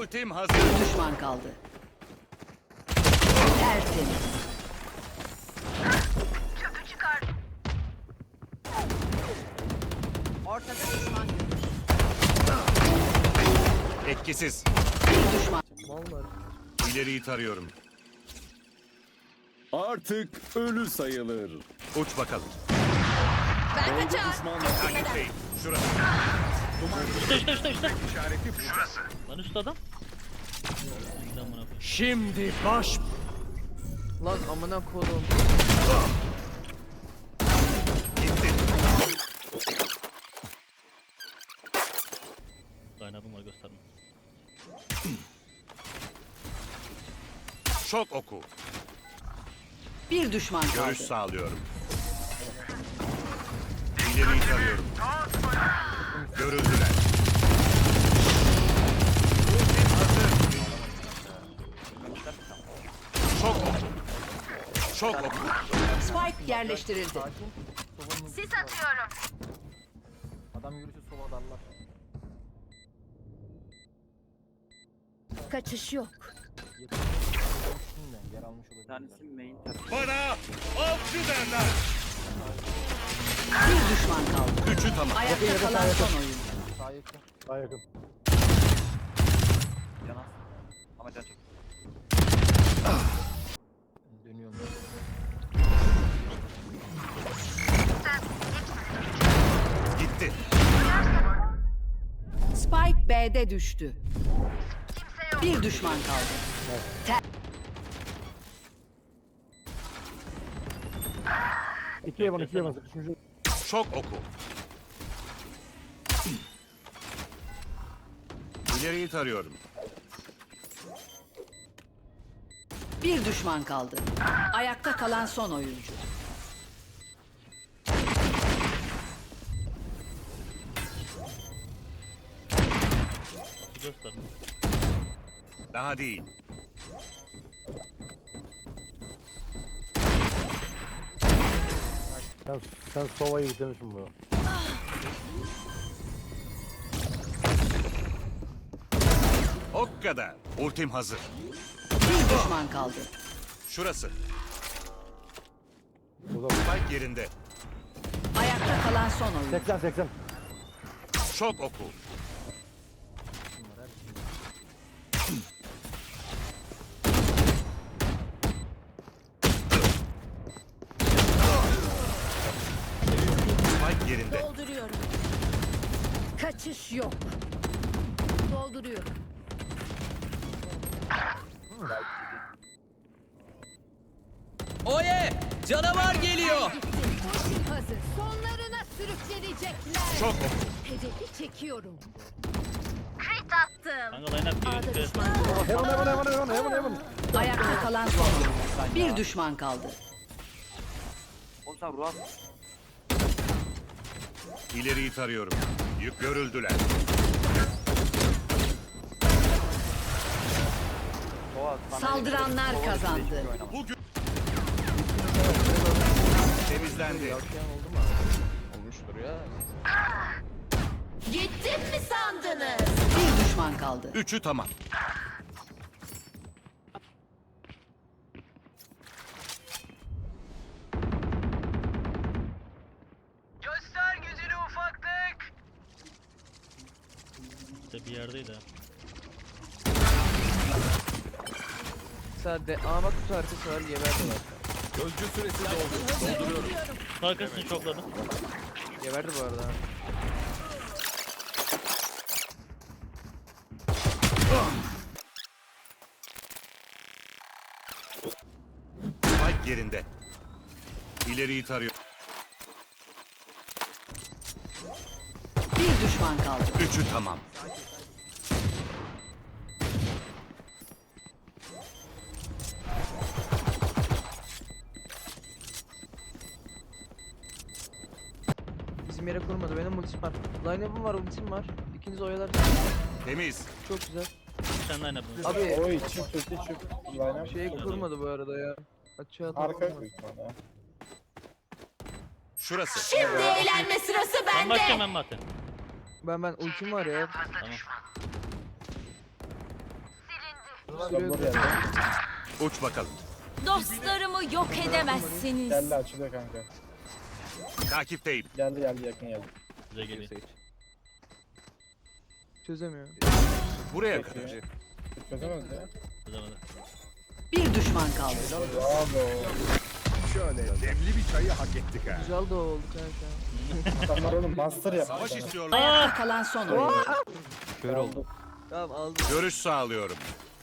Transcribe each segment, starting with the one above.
Ultim hazır. Bir düşman kaldı. Tertemiz. Ortada düşman görüldü. Etkisiz. Bir düşman. İleriyi tarıyorum. Artık ölü sayılır. Uç bakalım. Ben kaçar. Takipteyim. Şurası. Üstte. İşareti şurası. Lan üstte adam. Amına koyayım. Şimdi baş. Lan amına koydum. Gitti. Kaynabım var gösterme. Şok oku. Bir düşman kaldı. Görüş sağlıyorum. İleriyi tarıyorum. Görüldüler. Ultim hazır. Şok oku. Şok oku. Spike yerleştirildi. Sis atıyorum. Adam yürüyüşü sola darlar. Kaçış yok. Yer almış olabilir. Tanesi main Bana avcı derler. Bir düşman kaldı. Üçü tamam. Ayakta kalan son oyuncu. Sağ yakın. Sağ yakın. Canas. Ama can çek. Dönüyorum. Gitti. Spike B'de düştü. Bir düşman kaldı. İkiye bak, ikiye bak. Üçüncü. Şok oku. İleriyi tarıyorum. Bir düşman kaldı. Ayakta kalan son oyuncu. Gösterme. Daha değil. Sen Sova'yı bitirmişsin bunu. O kadar. Ultim hazır. Bir düşman kaldı. Şurası. Burada Spike yerinde. Ayakta kalan son oyuncu. 80. Şok oku. Spike yerinde. Dolduruyorum. Kaçış yok. Dolduruyorum. Oye! Canavar geliyor! Ultim hazır. Sonlarına sürüklenecekler. Şok oku. Hedefi çekiyorum. Crit attım. Kanka line up A'da diyor. düşman. Heaven. Ayakta kalan son oyuncu. Bir düşman kaldı. Oğlum sen ruh at. İleriyi tarıyorum. Yük görüldüler. Doğa, sana Saldıranlar Doğa kazandı. hiçbir şey oynama. Bugün temizlendi. Olmuştur ya. Gittim mi sandınız? Bir düşman kaldı. Üçü tamam. Göster gücünü ufaklık. İşte bir yerdeydi ha. Sadece ama kutu arkası var geberdi var. Gözcü süresi doldu. Dolduruyorum. Arkasını çokladı. Geberdi bu arada. Spike yerinde. İleriyi tarıyorum. Bir düşman kaldı. Üçü tamam. Bizim yere kurmadı. Benim ultim var. Line-up'ım var, ultim var. İkiniz oyalar. Temiz. Çok güzel. Sen line up'ını. Abi Oy çift line şey kurmadı bu arada ya. Açığa arka kurmadı. Şurası. Şimdi eğlenme sırası Ben bakacağım bende. ben zaten. Ben ultim var ya. Tamam. Sabır geldi. Uç bakalım. Dostlarımı yok edemezsiniz. Geldi açılıyor kanka. Takipteyim. Geldi yakın geldi. Bize geliyor. Çözemiyor. Buraya kadar. Çözemez ya. Çözemedi. Bir düşman kaldı. Bravo. Şöyle demli bir çayı hak ettik ha. Güzel de oldu kanka. Adamlar oğlum master yapmış. Savaş sana. istiyorlar. Ayakta kalan son oyuncu. Kör oldu. Tamam aldım. Görüş sağlıyorum.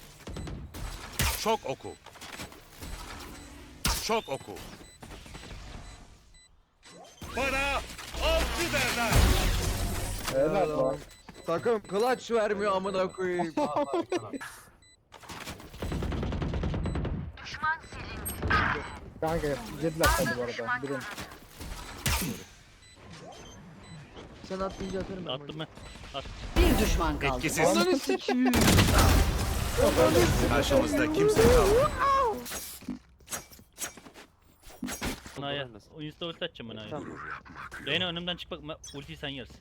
Şok oku. Şok oku. Bana avcı derler. Helal lan. Takım clutch vermiyor amına koyayım. Kanka yediler tabii bu arada. Birin. Sen atlayınca atarım ben. Attım ben. At. Bir düşman kaldı. Etkisiz. Ananı sikiyim. Karşımızda kimse kalmadı. Manaya. Insta ulti atacağım Manaya. Reyna önümden çık bak. Ultiyi sen yersin.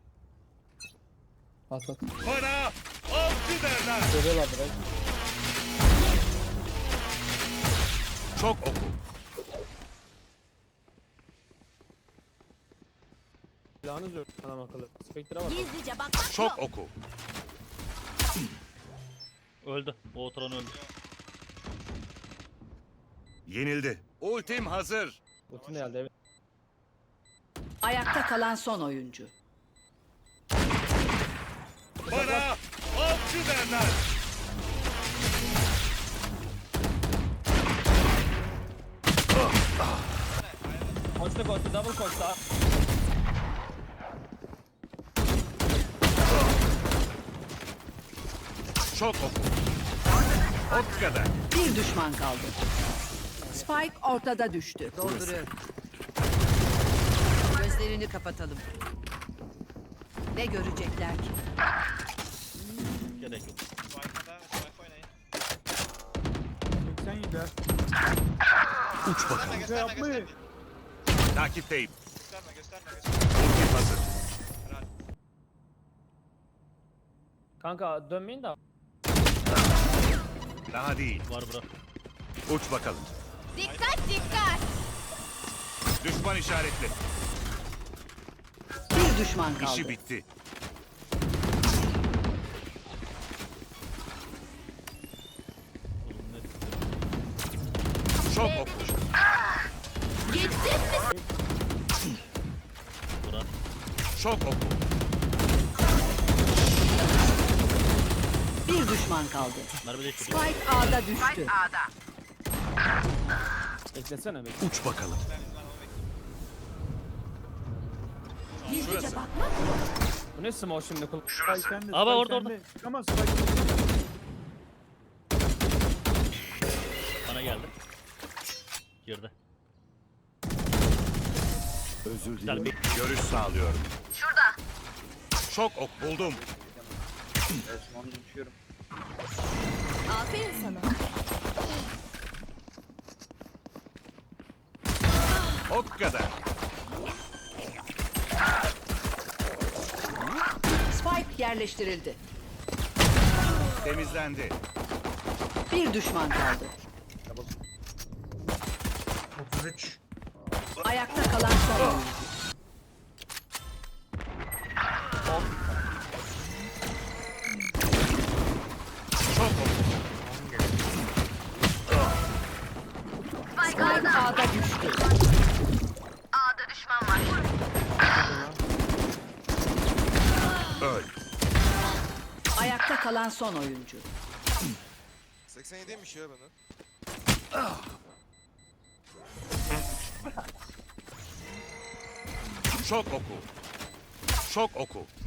At at. Bana avcı derler. Görüyorlar direkt. Çok oku. Silahınız yok. Anam akıllı. Spectre'a bak. Gizlice bakmak Çok yok. oku. Öldü. O oturan öldü. Yenildi. Ultim hazır. Ultim de geldi evet. Ayakta kalan son oyuncu. Bana avcı derler. Koştu koştu double koştu. Çok oku. O kadar. Bir düşman kaldı. Spike ortada düştü. Dolduruyorum. Gözlerini kapatalım. Ne görecekler ki? Gerek yok. Uç bakalım. Takipteyim. Ultim hazır. Kanka dönmeyin de. Daha değil. Var bura. Uç bakalım. Dikkat dikkat. Düşman işaretli. Bir düşman kaldı. İşi bitti. Oğlum ne? Çok oku. Gittin mi? Bura. Çok oku. Bir düşman kaldı. Merve de şurada. Spike A'da düştü. Beklesene bekle. Uç bakalım. Gizlice bakmak. Bu ne smoke şimdi? Aa orada orada. Bana geldi. Girdi. Özür Güzel dilerim. bir Görüş sağlıyorum. Şurada. Çok ok buldum. Evet smoke'u düşüyorum. Aferin sana. O kadar. Spike yerleştirildi. Temizlendi. Bir düşman kaldı. 33. Ayakta kalan son oyuncu. Çok ok. Spike A'da düştü. Öl. Ayakta kalan son oyuncu. 87'ymiş ya bana. Çok oku. Çok oku.